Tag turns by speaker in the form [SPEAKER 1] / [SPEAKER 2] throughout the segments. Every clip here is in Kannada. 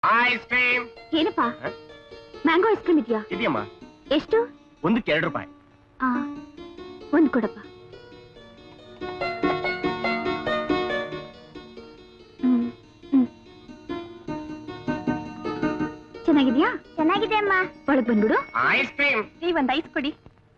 [SPEAKER 1] Ice cream.
[SPEAKER 2] ಏನಪ್ಪಾ? ಮ್ಯಾಂಗೋ ಐಸ್ ಕ್ರೀಮ್ ಇದೆಯಾ?
[SPEAKER 1] ಇದೆಯಮ್ಮ.
[SPEAKER 2] ಎಷ್ಟು?
[SPEAKER 1] ಒಂದಕ್ಕೆ 2 ರೂಪಾಯಿ.
[SPEAKER 2] ಒಂದು ಕೊಡಪ್ಪ. ಚೆನ್ನಾಗಿದ್ಯಾ?
[SPEAKER 3] ಚೆನ್ನಾಗಿದೆ ಅಮ್ಮ.
[SPEAKER 2] ಒಳಗ್ ಬಂದ್ಬಿಡು.
[SPEAKER 1] Ice cream.
[SPEAKER 2] ಒಂದ್ ಐಸ್ ಕೊಡಿ.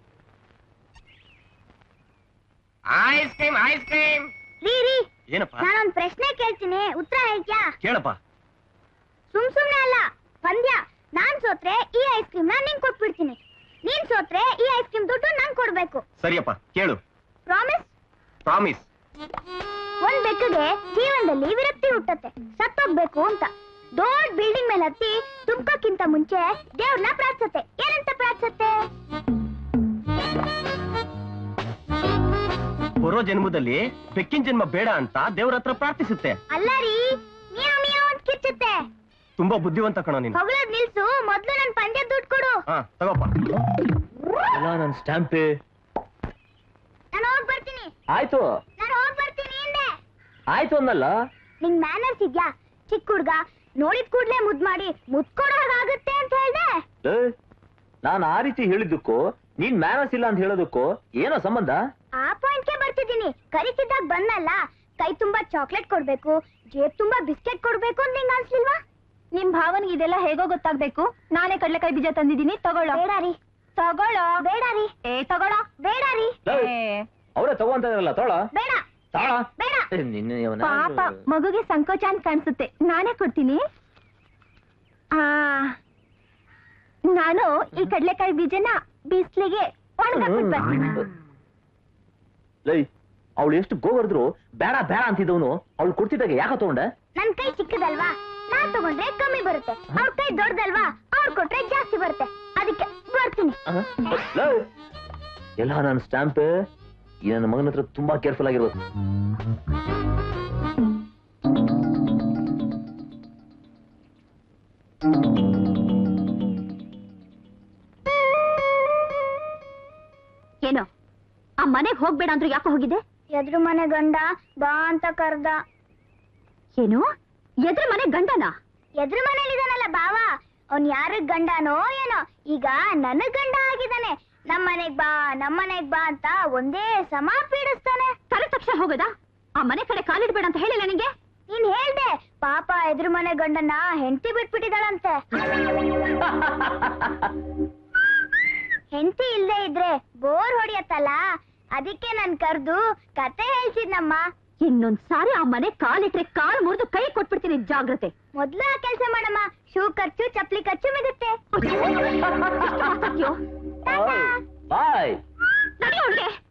[SPEAKER 1] Ice cream ice cream.
[SPEAKER 3] ರೀ ರೀ,
[SPEAKER 1] ಏನಪ್ಪ?
[SPEAKER 3] ನಾನೊಂದ್ ಪ್ರಶ್ನೆ ಕೇಳ್ತೀನಿ, ಉತ್ತರ ಹೇಳ್ತ್ಯಾ?
[SPEAKER 1] ಕೇಳಪ್ಪ.
[SPEAKER 3] ಸುಮ್ನೆ ಅಲ್ಲ, ಪಂದ್ಯ. ನಾನ್ ಸೋತ್ರೆ ಈ ಐಸ್ ಕ್ರೀಮ್ ನಿಂಗ್ ಕೊಟ್ಬಿಡ್ತೀನಿ, ನೀನ್ ಸೋತ್ರೆ ಈ ಐಸ್ ಕ್ರೀಮ್ ದುಡ್ಡು ನಾನ್ ಕೊಡ್ಬೇಕು.
[SPEAKER 1] ಸರಿಯಪ್ಪ, ಕೇಳು.
[SPEAKER 3] ಪ್ರಾಮಿಸ್?
[SPEAKER 1] ಪ್ರಾಮಿಸ್.
[SPEAKER 3] ಒಂದ್ ಬೆಕ್ಕಗೆ ಜೀವನದಲ್ಲಿ ವಿರಕ್ತಿ ಹುಟ್ಟತ್ತೆ, ಸತ್ತೋಗ್ಬೇಕು ಅಂತ. ದೊಡ್ಡ ಬಿಲ್ಡಿಂಗ್ ಮೇಲೆ ಹತ್ತಿ ತುಂಬಕ್ಕಿಂತ ಮುಂಚೆ ದೇವ್ರನ್ನ ಪ್ರಾರ್ಥಿಸತ್ತೆ. ಏನಂತ ಪ್ರಾರ್ಥಿಸತ್ತೆ?
[SPEAKER 1] ಬರೋ ಜನ್ಮದಲ್ಲಿ ಬೆಕ್ಕಿನ ಜನ್ಮ ಬೇಡ ಅಂತ ದೇವ್ರ ಹತ್ರ ಪ್ರಾರ್ಥಿಸುತ್ತೆ.
[SPEAKER 3] ಅಲ್ಲ ರೀ, ಮಿಯಾವ್ ಮಿಯಾವ್ ಅಂತ ಕಿರ್ಚುತ್ತೆ.
[SPEAKER 1] ತುಂಬಾ ಬುದ್ಧಿವಂತ ಕಣೋ ನೀನು.
[SPEAKER 3] ಹೊಗಳದ್ ನಿಲ್ಸು, ಮೊದ್ಲು ನನ್ ಪಂದ್ಯ ದುಡ್ಡು ಕೊಡು.
[SPEAKER 1] ತಗೋಪ್ಪ. ನನ್ ಸ್ಟ್ಯಾಂಪ್.
[SPEAKER 3] ನಾನು ಹೋಗ್ ಬರ್ತೀನಿ.
[SPEAKER 1] ಆಯ್ತು.
[SPEAKER 3] ನಾನು ಹೋಗ್ ಬರ್ತೀನಿ ಹಿಂದೆ.
[SPEAKER 1] ಆಯ್ತು ಅನ್ನಲ್ಲ.
[SPEAKER 3] ನಿಂಗ್ ಮ್ಯಾನರ್ಸ್ ಇದ್ಯಾ? ಚಿಕ್ಕ ಹುಡ್ಗ ನೋಡಿದ್ ಕೂಡ್ಲೆ ಮುದ್ ಮಾಡಿ ಮುದ್ಕೊಡೋ ಹಾಗಾಗುತ್ತೆ ಅಂತ ಹೇಳ್ದೆ.
[SPEAKER 1] ನಾನು ಆ ರೀತಿ ಹೇಳಿದ್ದಕ್ಕೂ ನೀನ್ ಮ್ಯಾನರ್ಸ್ ಇಲ್ಲ ಅಂತ ಹೇಳೋದಕ್ಕೂ ಏನೋ ಸಂಬಂಧ?
[SPEAKER 3] ಆ ಪಾಯಿಂಟ್ಗೆ ಬರ್ತಿದ್ದೀನಿ. ಕರಿತಿದ್ದಾಗ ಬಂದಲ್ಲ, ಕೈ ತುಂಬಾ ಚಾಕ್ಲೇಟ್ ಕೊಡ್ಬೇಕು, ಜೇಬ್ ತುಂಬಾ ಬಿಸ್ಕೆಟ್ ಕೊಡ್ಬೇಕು ಅಂತ ನಿಂಗ್ ಅನ್ಸ್ಲಿಲ್ವಾ?
[SPEAKER 2] ನಿಮ್ ಭಾವನಿಗೆ ಇದೆಲ್ಲ ಹೇಗೋ ಗೊತ್ತಾಗ್ಬೇಕು. ನಾನೇ ಕಡ್ಲೆಕಾಯಿ ಬೀಜ ತಂದಿದ್ದೀನಿ, ತಗೊಳ್ಳೋ.
[SPEAKER 3] ಬೇಡ ರೀ.
[SPEAKER 2] ತಗೊಳ್ಳೋ.
[SPEAKER 3] ಬೇಡ ರೀ.
[SPEAKER 2] ತಗೊಳ್ಳೋ.
[SPEAKER 3] ಬೇಡ ರೀ.
[SPEAKER 1] ಅವರೇ ತಗೋಂತಾರಲ್ಲ, ತಗೊಳ.
[SPEAKER 3] ಬೇಡ. ಬೇಡ.
[SPEAKER 2] ಪಾಪ, ಮಗುಗೆ ಸಂಕೋಚ ಅಂತ ಕಾಣಿಸುತ್ತೆ, ನಾನೇ ಕೊಡ್ತೀನಿ. ನಾನು ಈ ಕಡ್ಲೆಕಾಯಿ ಬೀಜನ ಬಿಸ್ಲಿಗೆ ಒಣಗಾಕ್ಬಿಟ್ಟು ಬರ್ತೀನಿ.
[SPEAKER 1] ಅವಳು ಎಷ್ಟು ಗೋಗರ್ದ್ರು ಬೇಡ ಬೇಡ ಅಂತಿದ್ದವನು ಅವಳು ಕೊಡ್ತಿದ್ದಾಗ ಯಾಕೆ ತಗೊಂಡೆ?
[SPEAKER 3] ನನ್ ಕೈ ಚಿಕ್ಕದಲ್ವಾ, ನಾನ್ ತಗೊಂಡ್ರೆ ಕಮ್ಮಿ ಬರುತ್ತೆ. ಅವ್ರ ಕೈ ದೊಡ್ಡದಲ್ವಾ, ಅವ್ರು ಕೊಟ್ರೆ ಜಾಸ್ತಿ ಬರುತ್ತೆ. ಅದಕ್ಕೆ ಬರ್ತೀನಿ.
[SPEAKER 1] ಎಲ್ಲ ನನ್ನ ಸ್ಟ್ಯಾಂಪ್. ಈ ನನ್ನ ಮಗನ ಹತ್ರ ತುಂಬಾ ಕೇರ್ಫುಲ್ ಆಗಿರ್ಬೇಕು.
[SPEAKER 2] ಏನೋ ಆ ಮನೆಗ್ ಹೋಗ್ಬೇಡ ಅಂದ್ರು ಯಾಕೆ ಹೋಗಿದೆ?
[SPEAKER 3] ಎದ್ರು ಮನೆ ಗಂಡ ಬಾ ಅಂತ ಕರ್ದ.
[SPEAKER 2] ಏನು? ಎದ್ರ ಮನೆ ಗಂಡನ?
[SPEAKER 3] ಎದ್ರು ಮನೇಲಿದಾನಲ್ಲ ಬಾವ, ಅವ್ನ್ ಯಾರಿಗ್ ಗಂಡನೋ ಏನೋ, ಈಗ ನನಗ್ ಗಂಡ ಆಗಿದ್ದಾನೆ. ನಮ್ಮನೆಗ್ ಬಾ ಅಂತ ಒಂದೇ ಸಮ ಪೀಡಿಸ್ತಾನೆ.
[SPEAKER 2] ಕರೆ ತಕ್ಷಣ ಹೋಗೋದಾ? ಆ ಮನೆ ಕಡೆ ಕಾಲಿಡ್ಬೇಡ ಅಂತ ಹೇಳಿಲ್ಲ ನಿಂಗೆ?
[SPEAKER 3] ನೀನ್ ಹೇಳ್ದೆ, ಪಾಪ ಎದ್ರು ಮನೆ ಗಂಡನ ಹೆಂಡತಿ ಬಿಟ್ಬಿಟ್ಟಿದಾಳಂತೆ. ಹೆಂಡತಿ ಇಲ್ದೇ ಇದ್ರೆ ಬೋರ್ ಹೊಡಿಯತ್ತಲ್ಲ, ಅದಕ್ಕೆ ನನ್ ಕರ್ದು ಕತೆ ಹೇಳ್ಸಿದ್ನಮ್ಮ.
[SPEAKER 2] ಇನ್ನೊಂದ್ ಸಾರಿ ಆ ಮನೆ ಕಾಲಿಟ್ರೆ ಕಾಲು ಮುರಿದು ಕೈ ಕೊಟ್ಬಿಡ್ತೀನಿ, ಜಾಗ್ರತೆ.
[SPEAKER 3] ಮೊದ್ಲು ಆ ಕೆಲ್ಸ ಮಾಡಮ್ಮ, ಶೂ ಖರ್ಚು ಚಪ್ಲಿ ಖರ್ಚು ಮಿಗುತ್ತೆ.
[SPEAKER 1] ಬಾಯ್.
[SPEAKER 2] ನಡಿ ಒಳಗೆ.